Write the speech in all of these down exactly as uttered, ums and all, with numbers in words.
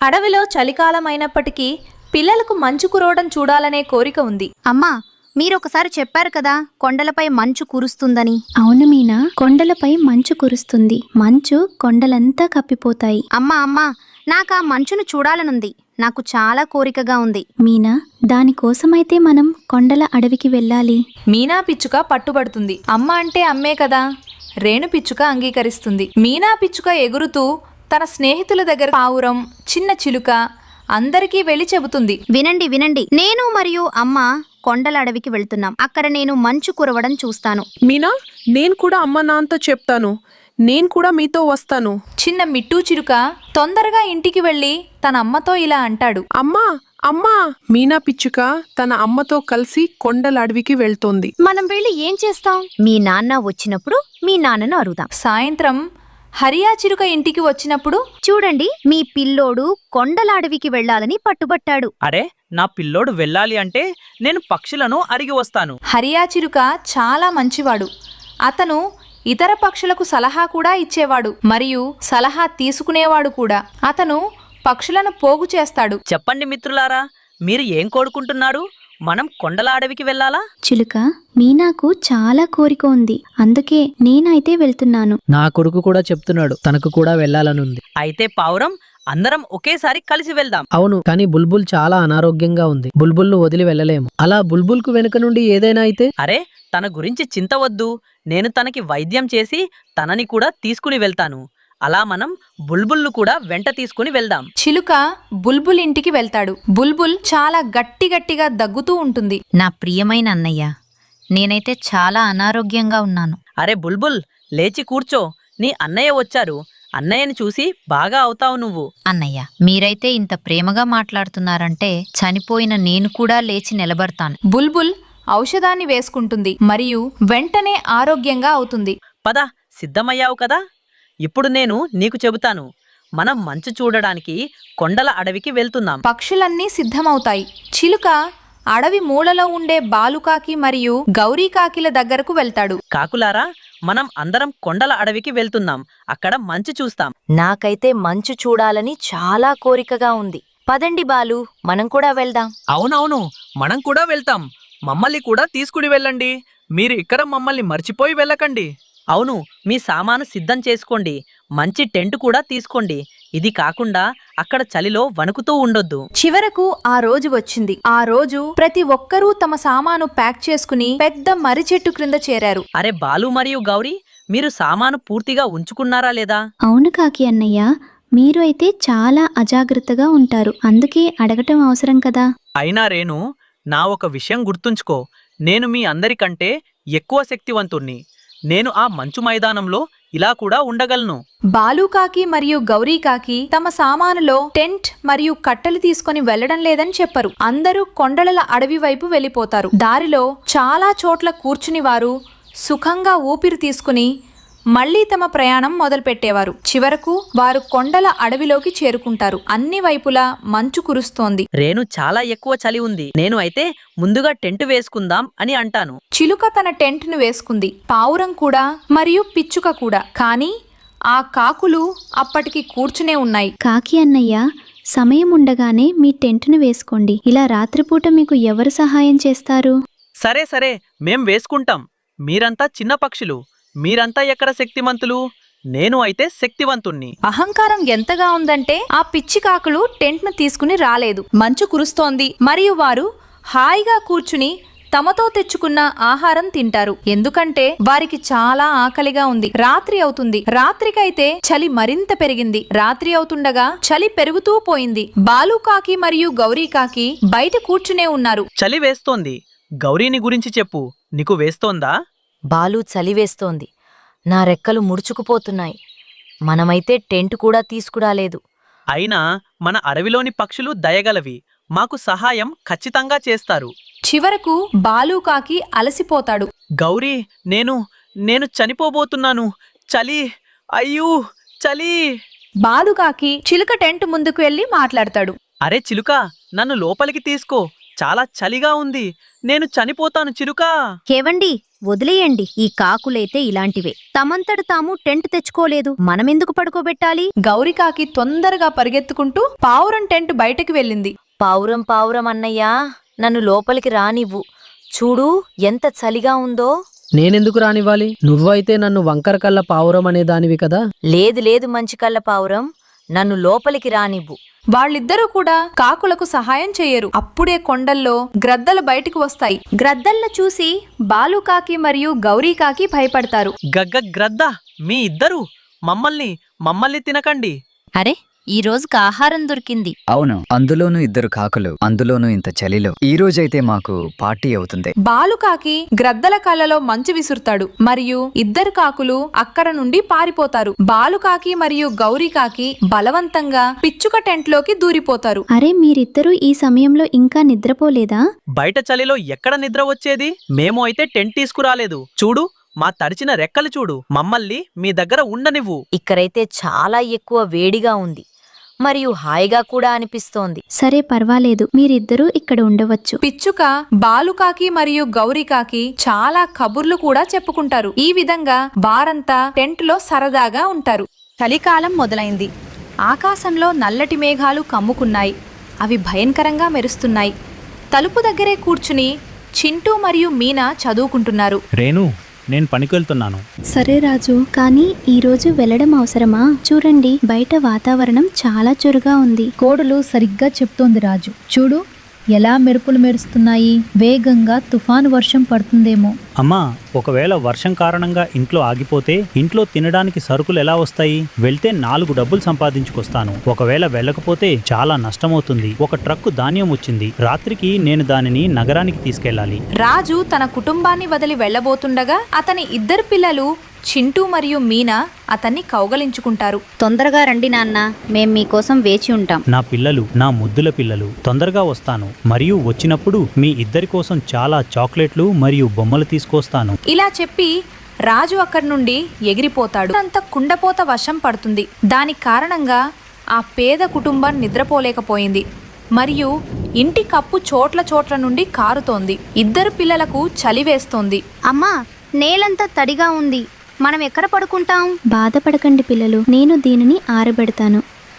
అడవిలో చలికాలం అయినప్పటికీ పిల్లలకు మంచు కురవడం చూడాలనే కోరిక ఉంది. అమ్మా, మీరొకసారి చెప్పారు కదా కొండలపై మంచు కురుస్తుందని. అవును మీనా, కొండలపై మంచు కురుస్తుంది. మంచు కొండలంతా కప్పిపోతాయి. అమ్మా అమ్మా నాకా మంచును చూడాలనుంది. నాకు చాలా కోరికగా ఉంది. మీనా, దానికోసమైతే మనం కొండల అడవికి వెళ్ళాలి. మీనా పిచ్చుక పట్టుబడుతుంది. అమ్మ అంటే అమ్మే కదా. రేణు పిచ్చుక అంగీకరిస్తుంది. మీనా పిచ్చుక ఎగురుతూ తన స్నేహితుల దగ్గర పావురం, చిన్న చిలుక అందరికీ వెళ్ళి చెబుతుంది. వినండి వినండి నేను మరియు అమ్మ కొండల అడవికి వెళ్తున్నాం. అక్కడ నేను మంచు కురవడం చూస్తాను. మీనా, నేను కూడా అమ్మ నాన్నతో చెప్తాను. నేను కూడా మీతో వస్తాను. చిన్న మిట్టూ చిలుక తొందరగా ఇంటికి వెళ్ళి తన అమ్మతో ఇలా అంటాడు. అమ్మా అమ్మా మీనా పిచ్చుక తన అమ్మతో కలిసి కొండల అడవికి వెళ్తోంది. మనం వెళ్ళి ఏం చేస్తాం? మీ నాన్న వచ్చినప్పుడు మీ నాన్నను అరుదాం. సాయంత్రం హరియా చిలుక ఇంటికి వచ్చినప్పుడు, చూడండి, మీ పిల్లోడు కొండల అడవికి వెళ్లాలని పట్టుబట్టాడు. అరే, నా పిల్లోడు వెళ్ళాలి అంటే నేను పక్షులను అరిగి వస్తాను. హరియా చిలుక చాలా మంచివాడు. అతను ఇతర పక్షులకు సలహా కూడా ఇచ్చేవాడు మరియు సలహా తీసుకునేవాడు కూడా. అతను పక్షులను పోగు చేస్తాడు. చెప్పండి మిత్రులారా, మీరు ఏం కోరుకుంటున్నారు? మనం కొండల అడవికి వెళ్ళాలా? చిలుక, మీనాకు చాలా కోరిక ఉంది, అందుకే నేనైతే వెళ్తున్నాను. నా కొడుకు కూడా చెప్తున్నాడు, తనకు కూడా వెళ్ళాలనుంది. అయితే పావురం, అందరం ఒకేసారి కలిసి వెళ్దాం. అవును, కానీ బుల్బుల్ చాలా అనారోగ్యంగా ఉంది. బుల్బుల్ను వదిలి వెళ్ళలేము. అలా బుల్బుల్కు వెనుక నుండి ఏదైనా అయితే? అరే, తన గురించి చింత వద్దు. నేను తనకి వైద్యం చేసి తనని కూడా తీసుకుని వెళ్తాను. అలా మనం బుల్బుల్ను కూడా వెంట తీసుకుని వెళ్దాం. చిలుక బుల్బుల్ ఇంటికి వెళ్తాడు. బుల్బుల్ చాలా గట్టి గట్టిగా దగ్గుతూ ఉంటుంది. నా ప్రియమైన అన్నయ్య, నేనైతే చాలా అనారోగ్యంగా ఉన్నాను. అరే బుల్బుల్, లేచి కూర్చో. నీ అన్నయ్య వచ్చారు. అన్నయ్యని చూసి బాగా అవుతావు నువ్వు. అన్నయ్య, మీరైతే ఇంత ప్రేమగా మాట్లాడుతున్నారంటే చనిపోయిన నేను కూడా లేచి నిలబడతాను. బుల్బుల్ ఔషధాన్ని వేసుకుంటుంది మరియు వెంటనే ఆరోగ్యంగా అవుతుంది. పద, సిద్ధమయ్యావు కదా? ఇప్పుడు నేను నీకు చెబుతాను. మనం మంచు చూడడానికి కొండల అడవికి వెళ్తున్నాం. పక్షులన్నీ సిద్ధమవుతాయి. చిలుక అడవి మూలలో ఉండే బాలుకాకి మరియు గౌరీకాకిల దగ్గరకు వెళ్తాడు. కాకులారా, మనం అందరం కొండల అడవికి వెళ్తున్నాం. అక్కడ మంచు చూస్తాం. నాకైతే మంచు చూడాలని చాలా కోరికగా ఉంది. పదండి బాలు, మనం కూడా వెళ్దాం. అవునవును, మనం కూడా వెళ్తాం. మమ్మల్ని కూడా తీసుకుని వెళ్ళండి. మీరు ఇక్కడ మమ్మల్ని మర్చిపోయి వెళ్ళకండి. అవును, మీ సామాను సిద్ధం చేసుకోండి. మంచి టెంట్ కూడా తీసుకోండి. ఇది కాకుండా అక్కడ చలిలో వణుకుతూ ఉండొద్దు. చివరకు ఆ రోజు వచ్చింది. ఆ రోజు ప్రతి ఒక్కరూ తమ సామాను ప్యాక్ చేసుకుని పెద్ద మర్రి చెట్టు క్రింద చేరారు. అరే బాలు మరియు గౌరీ, మీరు సామాను పూర్తిగా ఉంచుకున్నారా లేదా? అవును కాకి అన్నయ్య, మీరు అయితే చాలా అజాగ్రత్తగా ఉంటారు, అందుకే అడగటం అవసరం కదా. అయినా రేణు, నా ఒక విషయం గుర్తుంచుకో. నేను మీ అందరికంటే ఎక్కువ శక్తివంతుణ్ణి. నేను ఆ మంచు మైదానంలో ఇలా కూడా ఉండగలను. బాలుకాకి మరియు గౌరీకాకి తమ సామానులో టెంట్ మరియు కట్టెలు తీసుకుని వెళ్లడం లేదని చెప్పరు. అందరూ కొండల అడవి వైపు వెళ్లిపోతారు. దారిలో చాలా చోట్ల కూర్చుని వారు సుఖంగా ఊపిరి తీసుకుని మళ్లీ తమ ప్రయాణం మొదలుపెట్టేవారు. చివరకు వారు కొండల అడవిలోకి చేరుకుంటారు. అన్ని వైపులా మంచు కురుస్తోంది. రేణు, చాలా ఎక్కువ చలి ఉంది. నేను అయితే ముందుగా టెంట్ వేసుకుందాం అని అంటాను. చిలుక తన టెంట్ ను వేసుకుంది. పావురం కూడా మరియు పిచ్చుక కూడా. కానీ ఆ కాకులు అప్పటికి కూర్చునే ఉన్నాయి. కాకి అన్నయ్య, సమయం ఉండగానే మీ టెంట్ను వేసుకోండి. ఇలా రాత్రిపూట మీకు ఎవరు సహాయం చేస్తారు? సరే సరే, మేం వేసుకుంటాం. మీరంతా చిన్న పక్షులు. మీరంతా ఎక్కడ శక్తిమంతులు? నేను అయితే శక్తివంతుణ్ణి. అహంకారం ఎంతగా ఉందంటే ఆ పిచ్చి కాకులు టెంట్ ను తీసుకుని రాలేదు. మంచు కురుస్తోంది మరియు వారు హాయిగా కూర్చుని తమతో తెచ్చుకున్న ఆహారం తింటారు. ఎందుకంటే వారికి చాలా ఆకలిగా ఉంది. రాత్రి అవుతుంది. రాత్రికైతే చలి మరింత పెరిగింది. రాత్రి అవుతుండగా చలి పెరుగుతూ పోయింది. బాలుకాకి మరియు గౌరీకాకి బయట కూర్చునే ఉన్నారు. చలి వేస్తోంది. గౌరీని గురించి చెప్పు, నీకు వేస్తోందా? బాలు, చలివేస్తోంది. నా రెక్కలు ముడుచుకుపోతున్నాయి. మనమైతే టెంట్ కూడా తీసుకురాలేదు. అయినా మన అడవిలోని పక్షులు దయగలవి. మాకు సహాయం ఖచ్చితంగా చేస్తారు. చివరకు బాలుకాకి అలసిపోతాడు. గౌరీ, నేను నేను చనిపోబోతున్నాను. చలి, అయ్యూ చలి. బాలుకాకి చిలుక టెంట్ ముందుకు వెళ్లి మాట్లాడతాడు. అరే చిలుక, నన్ను లోపలికి తీసుకో. చాలా చలిగా ఉంది. నేను చనిపోతాను చిలుకా. కేవండి వదిలేయండి. ఈ కాకులైతే ఇలాంటివే. తమంతట తాము టెంట్ తెచ్చుకోలేదు, మనమెందుకు పడుకోబెట్టాలి? గౌరికాకి తొందరగా పరిగెత్తుకుంటూ పావురం టెంట్ బయటకు వెళ్ళింది. పావురం పావురం అన్నయ్యా, నన్ను లోపలికి రానివ్వు. చూడు ఎంత చలిగా ఉందో. నేనెందుకు రానివ్వాలి? నువ్వైతే నన్ను వంకర కళ్ళ పావురం అనే దానివి కదా. లేదు లేదు మంచి కళ్ళ పావురం, నన్ను లోపలికి రానివ్వు. వాళ్ళిద్దరూ కూడా కాకులకు సహాయం చేయరు. అప్పుడే కొండల్లో గ్రద్దలు బయటికి వస్తాయి. గ్రద్దల్ని చూసి బాలుకాకి మరియు గౌరీకాకి భయపడతారు. గగ్గ గ్రద్ద, మీ ఇద్దరు మమ్మల్ని మమ్మల్ని తినకండి. అరే ఈ రోజుకి ఆహారం దొరికింది. అవును, అందులోనూ ఇద్దరు కాకులు, అందులోనూ ఇంత చలిలో. ఈ రోజైతే మాకు పార్టీ అవుతుంది. బాలుకాకి గ్రద్దల కళ్ళలో మంచు విసురుతాడు మరియు ఇద్దరు కాకులు అక్కడ నుండి పారిపోతారు. బాలుకాకి మరియు గౌరీకాకి బలవంతంగా పిచ్చుక టెంట్లోకి దూరిపోతారు. అరే మీరిద్దరూ ఈ సమయంలో ఇంకా నిద్రపోలేదా? బయట చలిలో ఎక్కడ నిద్ర వచ్చేది? మేము అయితే టెంట్ తీసుకురాలేదు. చూడు, మా తడిచిన రెక్కలు చూడు. మమ్మల్ని మీ దగ్గర ఉండనివ్వు. ఇక్కడైతే చాలా ఎక్కువ వేడిగా ఉంది మరియు హాయిగా కూడా అనిపిస్తోంది. సరే పర్వాలేదు, మీరిద్దరూ ఇక్కడ ఉండవచ్చు. పిచ్చుక బాలుకాకి మరియు గౌరీకాకి చాలా కబుర్లు కూడా చెప్పుకుంటారు. ఈ విధంగా వారంతా టెంట్లో సరదాగా ఉంటారు. చలికాలం మొదలైంది. ఆకాశంలో నల్లటి మేఘాలు కమ్ముకున్నాయి. అవి భయంకరంగా మెరుస్తున్నాయి. తలుపు దగ్గరే కూర్చుని చింటూ మరియు మీనా చదువుకుంటున్నారు. రేణు, నేను పనికెళ్తున్నాను. సరే రాజు, కానీ ఈ రోజు వెళ్ళడం అవసరమా? చూడండి, బయట వాతావరణం చాలా చురుగా ఉంది. కోడలు సరిగ్గా చెప్తోంది రాజు. చూడు ఎలా మెరుపులు మెరుస్తున్నాయి. వేగంగా తుఫాను వర్షం పడుతుందేమో. అమ్మా, ఒకవేళ వర్షం కారణంగా ఇంట్లో ఆగిపోతే ఇంట్లో తినడానికి సరుకులు ఎలా వస్తాయి? వెళ్తే నాలుగు డబ్బులు సంపాదించుకొస్తాను. ఒకవేళ వెళ్ళకపోతే చాలా నష్టమవుతుంది. ఒక ట్రక్కు ధాన్యం వచ్చింది. రాత్రికి నేను దానిని నగరానికి తీసుకెళ్లాలి. రాజు తన కుటుంబాన్ని వదిలి వెళ్లబోతుండగా అతని ఇద్దరు పిల్లలు చింటూ మరియు మీనా అతన్ని కౌగలించుకుంటారు. తొందరగా రండి నాన్న, మేం మీకోసం వేచి ఉంటాం. నా పిల్లలు, నా ముద్దుల పిల్లలు, తొందరగా వస్తాను. మరియు వచ్చినప్పుడు మీ ఇద్దరి కోసం చాలా చాక్లెట్లు మరియు బొమ్మలు తీసుకొస్తాను. ఇలా చెప్పి రాజు అక్కడి నుండి ఎగిరిపోతాడు. అంత కుండపోత వర్షం పడుతుంది. దాని కారణంగా ఆ పేద కుటుంబం నిద్రపోలేకపోయింది మరియు ఇంటి కప్పు చోట్ల చోట్ల నుండి కారుతోంది. ఇద్దరు పిల్లలకు చలి వేస్తోంది. అమ్మా, నేలంతా తడిగా ఉంది. మనం ఎక్కడ పడుకుంటాం? బాధపడకండి పిల్లలు, నేను దీనిని ఆరబెడతాను.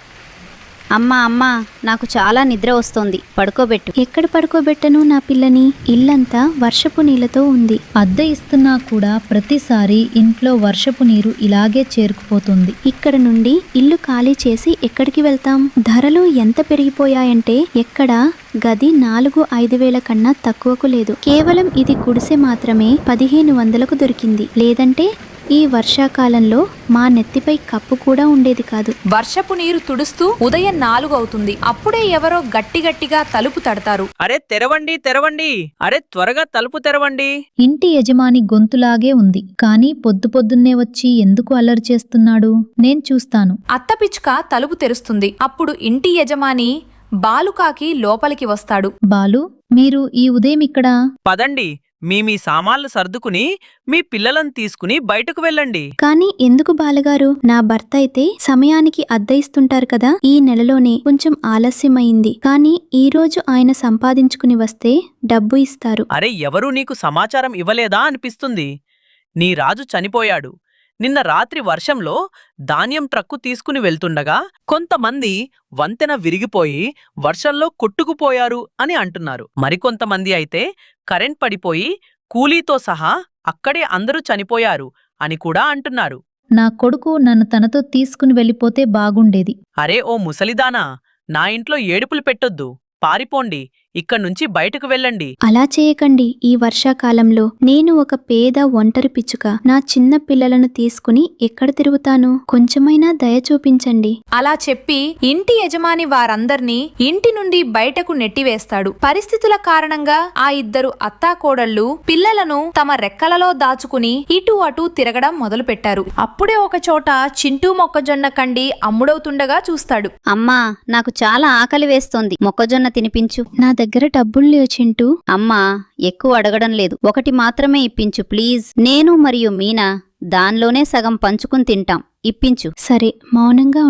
అమ్మా అమ్మా, నాకు చాలా నిద్ర వస్తోంది, పడుకోబెట్టు. ఎక్కడ పడుకోబెట్టను నా పిల్లని? ఇల్లంతా వర్షపు నీళ్లతో ఉంది. అద్దె ఇస్తున్నా కూడా ప్రతిసారి ఇంట్లో వర్షపు నీరు ఇలాగే చేరుకుపోతుంది. ఇక్కడ నుండి ఇల్లు ఖాళీ చేసి ఎక్కడికి వెళ్తాం? ధరలు ఎంత పెరిగిపోయాయంటే ఎక్కడ గది నాలుగు ఐదు వేల కన్నా తక్కువకు లేదు. కేవలం ఇది గుడిసె మాత్రమే పదిహేను వందలకు దొరికింది. లేదంటే ఈ వర్షాకాలంలో మా నెత్తిపై కప్పు కూడా ఉండేది కాదు. వర్షపు నీరు తుడుస్తూ ఉదయం నాలుగు అవుతుంది. అప్పుడే ఎవరో గట్టి గట్టిగా తలుపు తడతారు. అరే తెరవండి, తెరవండి. అరే త్వరగా తలుపు తెరవండి. ఇంటి యజమాని గొంతులాగే ఉంది, కానీ పొద్దు పొద్దున్నే వచ్చి ఎందుకు అల్లరి చేస్తున్నాడు? నేను చూస్తాను. అత్త పిచ్చుక తలుపు తెరుస్తుంది. అప్పుడు ఇంటి యజమాని బాలుకాకి లోపలికి వస్తాడు. బాలు, మీరు ఈ ఉదయం ఇక్కడ? పదండి, మీ మీ సామాన్లు సర్దుకుని మీ పిల్లలను తీసుకుని బయటకు వెళ్ళండి. కానీ ఎందుకు బాలగారు? నా భర్త అయితే సమయానికి అద్దె ఇస్తుంటారు కదా. ఈ నెలలోనే కొంచెం ఆలస్యమైంది, కానీ ఈ రోజు ఆయన సంపాదించుకుని వస్తే డబ్బు ఇస్తారు. అరే ఎవరూ నీకు సమాచారం ఇవ్వలేదా అనిపిస్తుంది. నీ రాజు చనిపోయాడు. నిన్న రాత్రి వర్షంలో ధాన్యం ట్రక్కు తీసుకుని వెళ్తుండగా కొంతమంది వంతెన విరిగిపోయి వర్షంలో కొట్టుకుపోయారు అని అంటున్నారు. మరికొంతమంది అయితే కరెంట్ పడిపోయి కూలీతో సహా అక్కడే అందరూ చనిపోయారు అని కూడా అంటున్నారు. నా కొడుకు నన్ను తనతో తీసుకుని వెళ్ళిపోతే బాగుండేది. అరే ఓ ముసలిదానా, నా ఇంట్లో ఏడుపులు పెట్టొద్దు. పారిపోండి, ఇక్కడ్నుంచి బయటకు వెళ్ళండి. అలా చేయకండి. ఈ వర్షాకాలంలో నేను ఒక పేద ఒంటరి పిచ్చుక. నా చిన్న పిల్లలను తీసుకుని ఎక్కడ తిరుగుతాను? కొంచెమైనా దయ చూపించండి. అలా చెప్పి ఇంటి యజమాని వారందర్నీ ఇంటి నుండి బయటకు నెట్టివేస్తాడు. పరిస్థితుల కారణంగా ఆ ఇద్దరు అత్తాకోడళ్లు పిల్లలను తమ రెక్కలలో దాచుకుని ఇటు అటు తిరగడం మొదలుపెట్టారు. అప్పుడే ఒక చోట చింటూ మొక్కజొన్న కండి అమ్ముడవుతుండగా చూస్తాడు. అమ్మా, నాకు చాలా ఆకలి వేస్తోంది, మొక్కజొన్న తినిపించు. నా దగ్గర డబ్బులు లేవు చింటూ. అమ్మా, ఎక్కువ అడగడం లేదు, ఒకటి మాత్రమే ఇప్పించు ప్లీజ్. నేను మరియు మీనా దానిలోనే సగం పంచుకుని తింటాం, ఇప్పించు. సరే, మౌనంగా ఉండు.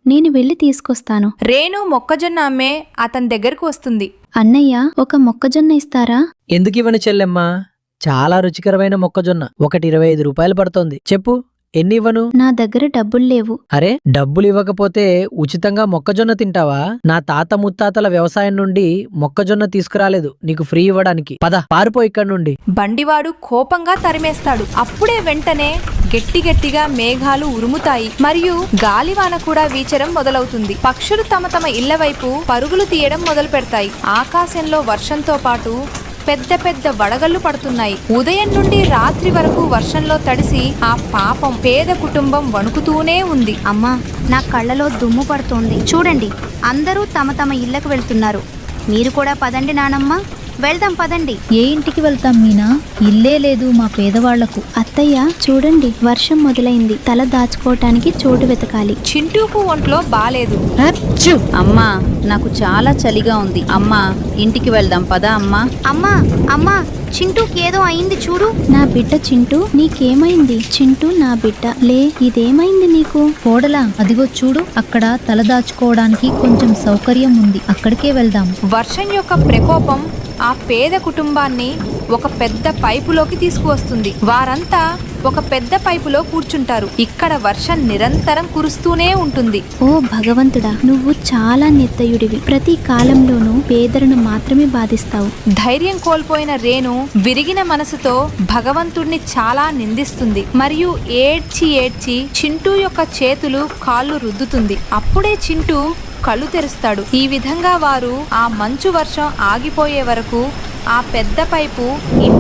నేను వెళ్ళి తీసుకొస్తాను. రేణు మొక్కజొన్న అమ్మే అతని దగ్గరకు వస్తుంది. అన్నయ్య, ఒక మొక్కజొన్న ఇస్తారా? ఎందుకు ఇవ్వను చెల్లెమ్మా, చాలా రుచికరమైన మొక్కజొన్న ఒకటి ఇరవై ఐదు రూపాయలు పడుతోంది. చెప్పు ఎన్ని ఇవ్వను? నా దగ్గర డబ్బులు లేవు. అరే, డబ్బులు ఇవ్వకపోతే ఉచితంగా మొక్కజొన్న తింటావా? నా తాత ముత్తాతల వ్యవసాయం నుండి మొక్కజొన్న తీసుకురాలేదు నీకు ఫ్రీ ఇవ్వడానికి. పద పారిపో ఇక్కడి నుండి. బండివాడు కోపంగా తరిమేస్తాడు. అప్పుడే వెంటనే గట్టి గట్టిగా మేఘాలు ఉరుముతాయి మరియు గాలివాన కూడా వీచడం మొదలవుతుంది. పక్షులు తమ తమ ఇళ్ల వైపు పరుగులు తీయడం మొదలు పెడతాయి. ఆకాశంలో వర్షంతో పాటు పెద్ద పెద్ద వడగళ్లు పడుతున్నాయి. ఉదయం నుండి రాత్రి వరకు వర్షంలో తడిసి ఆ పాపం పేద కుటుంబం వణుకుతూనే ఉంది. అమ్మా, నా కళ్ళలో దుమ్ము పడుతోంది. చూడండి, అందరూ తమ తమ ఇళ్లకు వెళ్తున్నారు. మీరు కూడా పదండి నానమ్మ, వెళ్దాం పదండి. ఏ ఇంటికి వెళ్తాం మీనా? ఇల్లే లేదు మా పేదవాళ్లకు. అత్తయ్య, చూడండి, వర్షం మొదలైంది. తల దాచుకోవటానికి చోటు వెతకాలి. చింటూకు ఒంట్లో బాలేదు. అమ్మా, నాకు చాలా చలిగా ఉంది. అమ్మా, ఇంటికి వెళ్దాం పదా అమ్మా. అమ్మా అమ్మా చింటూకి ఏదో అయింది చూడు. నా బిడ్డ చింటూ, నీకేమైంది? చింటూ నా బిడ్డ, లే, ఇదేమైంది నీకు? కోడలా, అదిగో చూడు, అక్కడ తలదాచుకోవడానికి కొంచెం సౌకర్యం ఉంది, అక్కడికే వెళ్దాం. వర్షం యొక్క ప్రకోపం ఆ పేద కుటుంబాన్ని ఒక పెద్ద పైపులోకి తీసుకువస్తుంది. వారంతా ఒక పెద్ద పైపులో కూర్చుంటారు. ఇక్కడ వర్షం నిరంతరం కురుస్తూనే ఉంటుంది. ఓ భగవంతుడా, నువ్వు చాలా నిర్దయుడివి. ప్రతి కాలంలోనూ పేదలను మాత్రమే బాధిస్తావు. ధైర్యం కోల్పోయిన రేణు విరిగిన మనసుతో భగవంతుడిని చాలా నిందిస్తుంది మరియు ఏడ్చి ఏడ్చి చింటూ యొక్క చేతులు కాళ్ళు రుద్దుతుంది. అప్పుడే చింటూ కళ్ళు తెరుస్తాడు. ఈ విధంగా వారు ఆ మంచు వర్షం ఆగిపోయే వరకు ఆ పెద్ద పైపు ఇంటి